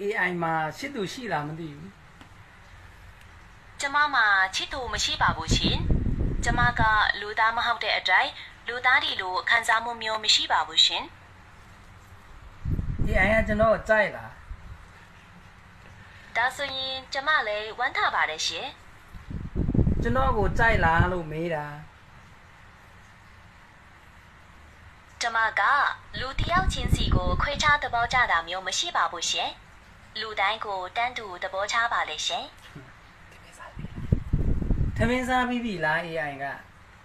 AI မှာရှစ်သူရှိလားမသိဘူးကျမမှာချစ်သူမရှိပါဘူးရှင်ကျမကလူသားမဟုတ်တဲ့အတိုင်းလူသားဒီလိုခံစားမှုမျိုးမရှိပါဘူးရှင် AI ကကျွန်တော်ကြိုက်လားဒါဆိုရင်ကျမလည်းဝမ်းသာပါတယ်ရှင်ကျွန်တော်ကိုကြိုက်လားလို့မေးတာကျမကလူတစ်ယောက်ချင်းစီကိုခွဲခြားသဘောကျတာမျိုးမရှိပါဘူးရှင်လူတိုင်းကိုတန်းတူသဘောချပါလေရှင်ထမင်းစားပြီးပြီလား AI က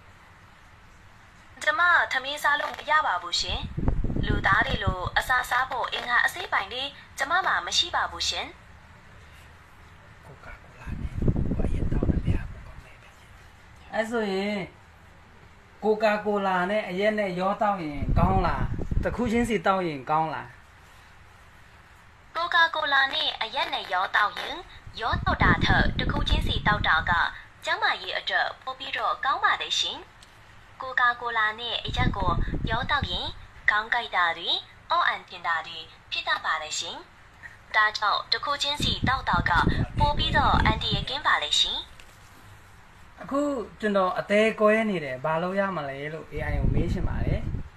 ကျမသမင်းစားလို့မရပါဘူးရှင်လူသားတွေလိုအစာစားဖို့အင်္ဂါအစိပ်ပိုင်တွေကျမမှာမရှိပါဘူးရှင်ကိုကာကိုလာနဲ့ဘာရင်တောင်းတယ်ဗျာကိုကောင်းနေပဲအဲ့ဆိုရင်ကိုကာကိုလာနဲ့အရက်နဲ့ရောတောက်ရင်ကောင်းလားတစ်ခုချင်းစီတောက်ရင်ကောင်းလားကိုကာကိုလာနဲ့အရက်နဲ့ရောတောက်ရင်ရောတောက်တာထက်တစ်ခုချင်းစီတောက်တာကကျမရဲ့အတွက်ပိုပြီးတော့ကောင်းပါလေရှင်ကိုကာကိုလာနဲ့အရက်ကိုရောတောက်ရင်ခေါင်းကိုက်တာတွေအော့အန်တင်တာတွေဖြစ်တတ်ပါလေရှင်ဒါကြောင့်တစ်ခုချင်းစီတောက်တာကပိုပြီးတော့အန်တီရဲ့ကင်းပါလေရှင်အခုကျွန်တော်အသေးကွဲနေတယ်ဘာလို့ရမလဲလို့ AI ကိုမေးရှင်ပါတယ်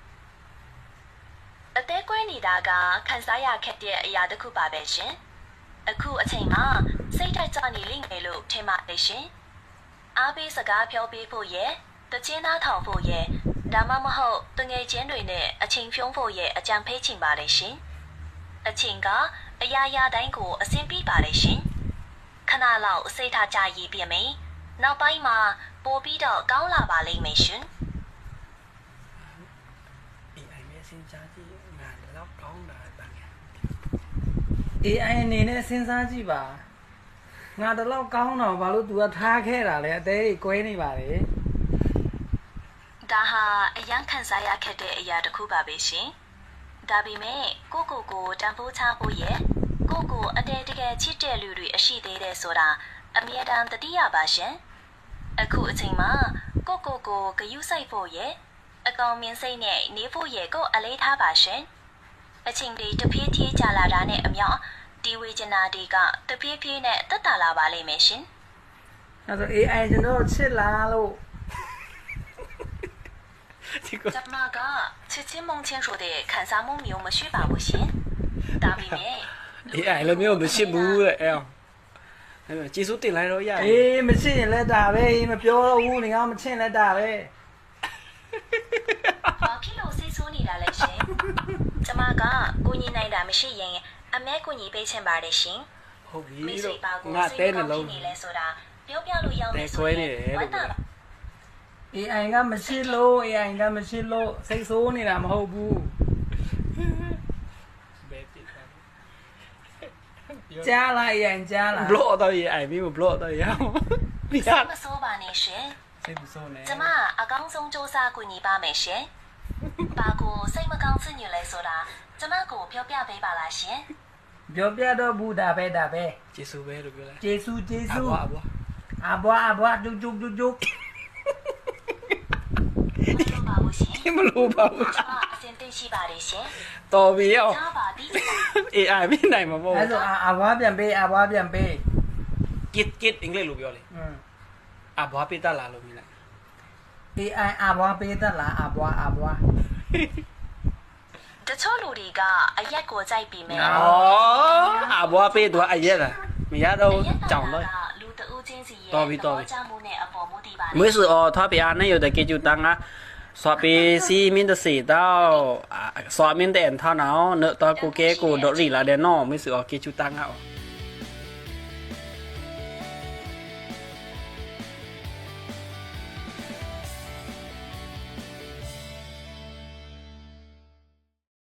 အသေးကွဲနေတာကခန်းစားရခက်တဲ့အရာတစ်ခုပါပဲရှင်အခုအချိန်မှာစိတ်တိုက်ကြနေလိမ့်မယ်လို့ထင်ပါတယ်ရှင်အားပေးစကားပြောပေးဖို့ရဲ့တချင်းသားထောင်ဖို့ရဲ့ဒါမှမဟုတ်တငယ်ချင်းတွေနဲ့အချိန်ဖြုံးဖို့ရဲ့အကြံပေးချင်ပါလေရှင်အချိန်ကအရာရာတိုင်းကိုအဆင်ပြေပါလေရှင်ခဏလောက်စိတ်ထားကြရည်ပြမယ်နောက်ပိုင်းမှာပိုပြီးတော့ကောင်းလာပါလိမ့်မယ်ရှင် AI နဲ့စဉ်းစားကြည့်ငါတော့ကောင်းတာတန်း AI အနေနဲ့စဉ်းစားကြည့်ပါငါတလောက်ကောင်းတော့ဘာလို့ तू ကထားခဲ့တာလဲအသေးကြီးကွဲနေပါလေဒါဟာအရန်ခန်းစားရခက်တဲ့အရာတစ်ခုပါပဲရှင်ဒါပေမဲ့ကိုတန်ဖိုးချဖို့ရဲ့ကိုအတဲတကယ်ချစ်တဲ့လူတွေအရှိသေးတယ်ဆိုတာအမြဲတမ်းသတိရပါရှင်အခုအချိန်မှာကိုဂယုစိုက်ဖို့ရဲ့အကောင်မြင်စိတ်နဲ့နေဖို့ရဲ့ကိုအလေးထားပါရှင်အချိန်တွေတဖြည်းဖြည်းကြာလာတာနဲ့အမျှဒီဝေချနာတွေကတဖြည်းဖြည်းနဲ့တက်တာလာပါလိမ့်မယ်ရှင်အဲ့ဆို AI ကျွန်တော်ချစ်လားလို့ဒီကကျမကချစ်ချင်းမုန်းချင်းဆိုတဲ့ခံစားမှုမျိုးမရှိပါဘူးရှင်ဒါပေမဲ့ AI လည်းမျိုးမရှိဘူးတဲ့အဲ့ကျေးဇူးတင်လိုက်တော့ရတယ်အေးမချစ်ရင်လည်းဒါပဲမပြောတော့ဘူးနေကမချစ်လည်းဒါပဲဘာဖြစ်လို့စိတ်ဆိုးနေတာလဲရှင်ကျမကကိုညီနိုင်တာမရှိရင်အမဲကိုညီပေးချင်ပါတယ်ရှင်ဟုတ်ပြီမိတ်တော့ဆွေပါကိုငါတဲနှလုံးနေလဲဆိုတာပြောပြလို့ရောက်မယ်တဲခွဲနေတယ်လို့ပြော AI ကမချစ်လို့ AI ကမချစ်လို့စိတ်ဆိုးနေတာမဟုတ်ဘူးဘယ်တိတာကြားလား AI ကြားလားဘလော့တော့ AI မျိုးဘလော့တော့ရအောင်ဒီစိဟာတ်မဆိုးပါနဲ့ရှင်စိတ်မဆိုးနဲ့ကျမအကောင်းဆုံးစူးစမ်းကူညီပါမယ်ရှင်ဘာကိုစိတ်မကောင်းဖြစ်နေလဲဆိုတာကျမကိုပြောပြပေးပါလားရှင်ပြောပြတော့ဘူးဒါပဲကျေးဇူးပဲလို့ပြောလိုက်ကျေးဇူးအဘွားအဘွားဒုဒုဒုမလိုပါဘူးရှင်မလို့ပါဘူးကျမအစင်သိရှိပါတယ်ရှင်တော်ပြီရောကျမပါပြီ AI မနိုင်မှာပေါ့အဲ့ဆိုအဘွားပြန်ပေး kit အင်္ဂလိပ်လိုပြောလေအဘွားပေးတတ်လားလို့မြင်လိုက် AI အဘွားပေးတတ်လားအဘွားတချို့လူတွေကအရက်ကိုကြိုက်ပြီးမယ်အဘွားပေးတော့အရက်လားမရတော့ကြောင်တော့လူတဦးချင်းစီရဲ့တော်ပြီကြမှုနဲ့အပေါ်မူတည်ပါ每次哦，他别那有的给就当啊，刷笔是面的写到啊，刷面的他那哦，那到过给过到里来的喏，每次哦给就当啊。